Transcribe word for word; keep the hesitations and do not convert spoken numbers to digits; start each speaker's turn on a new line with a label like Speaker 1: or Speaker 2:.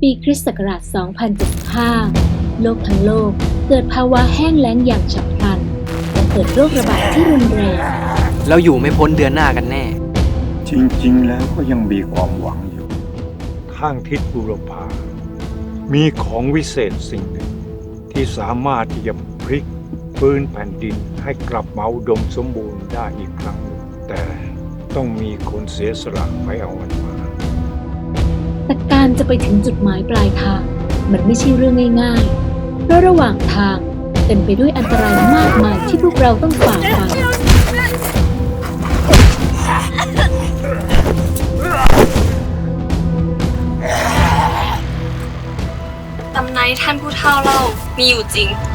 Speaker 1: ปีคริสต์ศักราช สองพันเจ็ดสิบห้า โลกทั้งโลกเกิดภาวะแห้งแล้งอย่างฉับพลันและเกิดโรคระบาดที่รุนแรง
Speaker 2: เราอยู่ไม่พ้นเดือนหน้ากันแน่
Speaker 3: จริงๆ แล้วก็ยังมีความหวังอยู่
Speaker 4: ข้างทิศบุรพา มีของวิเศษสิ่งหนึ่ง ที่สามารถที่จะพลิกฟื้นแผ่นดินให้กลับมาอุดมสมบูรณ์ได้อีกครั้งหนึ่งแต่ต้องมีคนเสียสละไปเอามันมา
Speaker 1: แต่การจะไปถึงจุดหมายปลายทางมันไม่ใช่เรื่องง่ายๆ เพราะระหว่างทางเต็มไปด้วยอันตรายมากมายที่พวกเราต้องฝ่าฟัน
Speaker 5: ตำนานที่ท่านผู้เฒ่าเล่ามีอยู่จริง